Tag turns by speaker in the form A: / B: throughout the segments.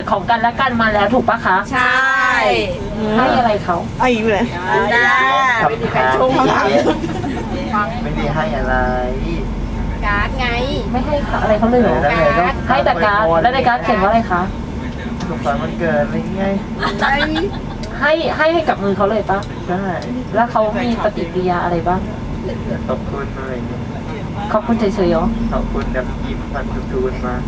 A: ของกันและกันมาแล้วถูกปะคะ
B: ใช่
A: ให้อะไรเขา
C: เอาอีกเลย
B: ได้ไม่มีใครชง
D: ไม่ได้ให้อะไร
B: การ์ดไง
A: ไม่ให้อะไรเขาเลยเหรอให้แต่การ์ดแล้วในการ์ดเขียนว่าอะไรคะ
D: สุขสันต์วันเกิดอะไรเงี้ย
A: ให้กับมือเขาเลยปะ
D: ใช่
A: แล้วเขามีปฏิกิริยาอะไรบ้าง
D: ขอบคุณอะไรเงี้ย
A: ขอบคุณเฉยๆเหรอ
D: ขอบคุณแบบยิ้มฟันทูนมา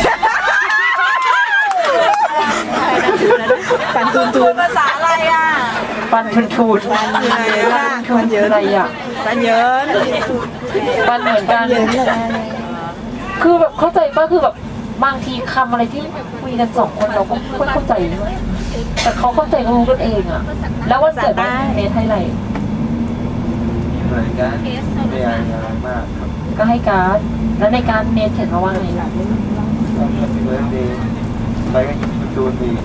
C: ฟันทูน
B: ภาษาอะไรอ่ะ
A: ฟันทูน
C: ฟันเยอะ
A: อะไรอ่ะ
C: ฟันเยอะ
A: ฟันเหมือนกันคือแบบเข้าใจป่ะคือแบบบางทีคำอะไรที่คุยกันสองคนเราก็ไม่เข้าใจแต่เขาเข้าใจรู้กันเองอ่ะแล้ววันเกิดเมทให้อะไร
D: เหมือนกันไม่อะไรมากครับ
A: ก็ให้การ์ดแล้วในการเมทเขียนมาว่าไงล่ะ
D: Happy birthday ไปก็ยิ้มจูนดี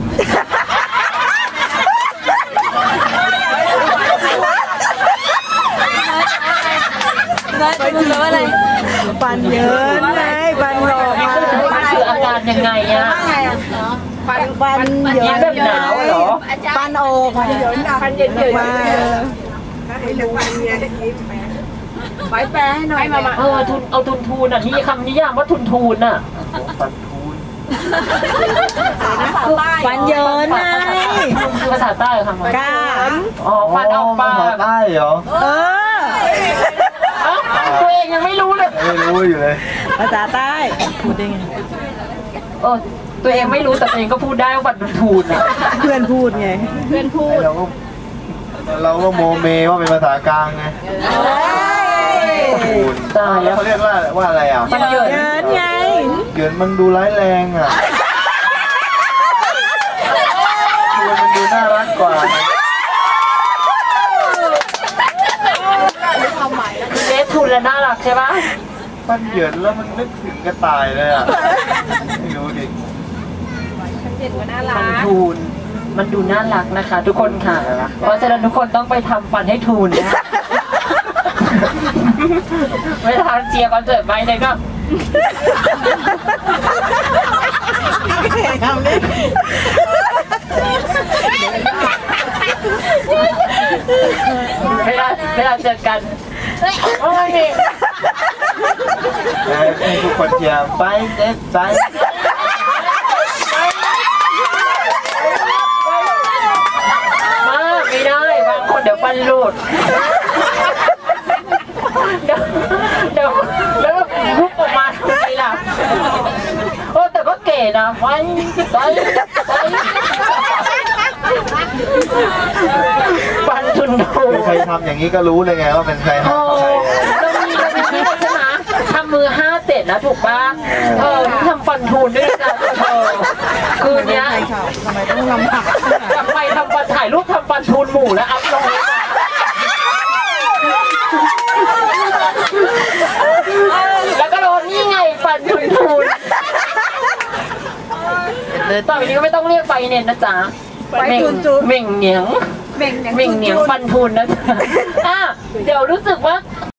B: ไปดูเลยอะไร
C: ฟันเยอะไงฟันหลอกมา
A: คืออาการยังไงอะ
C: ฟันเยอะ
A: แบบหนาวเหรอ
C: ฟันโอฟันเยอะ
B: ฟันเย็นๆ
C: มา
B: ให้รู้ฟันเย็นไว้แปลให้หน่อยมา
A: เอาทุนอ่ะนี่คำนิยามว่าทุนอ่ะ
D: ฟันทูน
C: ฟันเยอะไง
A: ภาษาใต้ค่ะมัน
C: ก้า
A: อ๋อฟันออกปาก
D: ภาษาใต้เหรอ
A: ตัวเองยังไม่รู้เลย
D: ไม่รู้อยู่เลย
C: ภาษาใต้พูดได้ไง
A: ตัวเองไม่รู้แต่ตัวเองก็พูดได้ว่าฟันทูนอ่ะ
C: เพื่อนพูดไง
B: เพื่อนพูด
D: เราก็โมเมว่าเป็นภาษากลางไง
A: ตายแล้ว
D: เขาเรียกว่าอะไรอ่ะ
A: มันเยิ
C: นไง
D: เยินมันดูร้ายแรงอ่ะมันดูน่ารักกว่า
A: เนททุนและน่ารักใช่ปะ
D: มันเยินแล้วมันนึกถึงกระต่ายเลยอ่ะไม่รู้ดิ
B: มันเย็นกว่าน่ารัก
A: มันทูนมันดูน่ารักนะคะทุกคนค่ะเพราะฉะนั้นทุกคนต้องไปทำฟันให้ทูนนะไม่ทำเจียคอนเสิร์ตไปเลยก็
C: ทำดิ
A: เวลาเจอกันโอ้ย
D: ทุกคนเชียร์ไปเด็ดไป
A: ไม่ได้บางคนเดี๋ยวฟันหลุดเดี๋ยวแล้วลุกออกมาทำไมล่ะแต่ก็เก๋นะฟันทุนทู
D: ใครทำอย่างนี้ก็รู้เลยไงว่าเป็นใคร
A: เรามีที่ใช่ไหมทำมือ5-7นะถูกป่ะทำฟันทูนด้วยนะคืนนี้
C: ทำไมต้องลำบาก
A: ทำไมทำฟันถ่ายรูปทำฟันทูนหมู่แล้วอัพลงแล้วก็โดนนี่ไงฟันทูนต่อไปนี้ก็ไม่ต้องเรียกไฟเน็ตนะจ๊ะเม่งเหนียงฟันทูนนะจ๊ะเดี๋ยวรู้สึกว่า